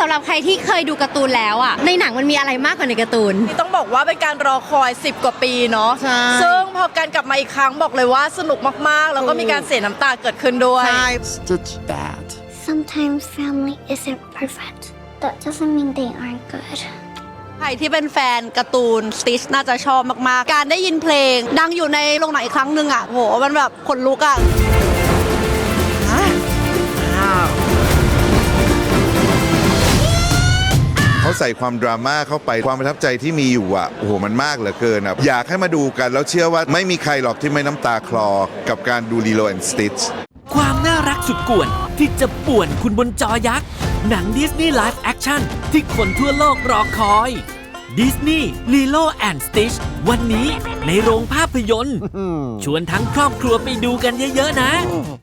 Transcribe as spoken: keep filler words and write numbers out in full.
ำหรับใครที่เคยดูการ์ตูนแล้วอ่ะในหนังมันมีอะไรมากกว่าในการ์ตูนต้องบอกว่าเป็นการรอคอยสิบกว่าปีเนาะใช่ซึ่งพอการกลับมาอีกครั้งบอกเลยว่าสนุกมากๆ แล้วก็มีการเสียน้ำตาเกิดขึ้นด้วย Stitch bad. Sometimes family isn't perfect. That doesn't mean they aren't good. ใครที่เป็นแฟนการ์ตูนสติชน่าจะชอบมากๆการได้ยินเพลงดังอยู่ในโรงหนังอีกครั้งหนึ่งอ่ะโหมันแบบขนลุกอ่ะเขาใส่ความดราม่าเข้าไปความประทับใจที่มีอยู่อ่ะโอ้โหมันมากเหลือเกินอ่ะอยากให้มาดูกันแล้วเชื่อว่าไม่มีใครหรอกที่ไม่น้ำตาคลอกับการดู Lilo and Stitch ความน่ารักสุดกวนที่จะป่วนคุณบนจอยักษ์หนังดิสนีย์ไลฟ์แอคชั่นที่คนทั่วโลกรอคอยดิสนีย์ Lilo and Stitch วันนี้ในโรงภาพยนตร์ชวนทั้งครอบครัวไปดูกันเยอะๆนะ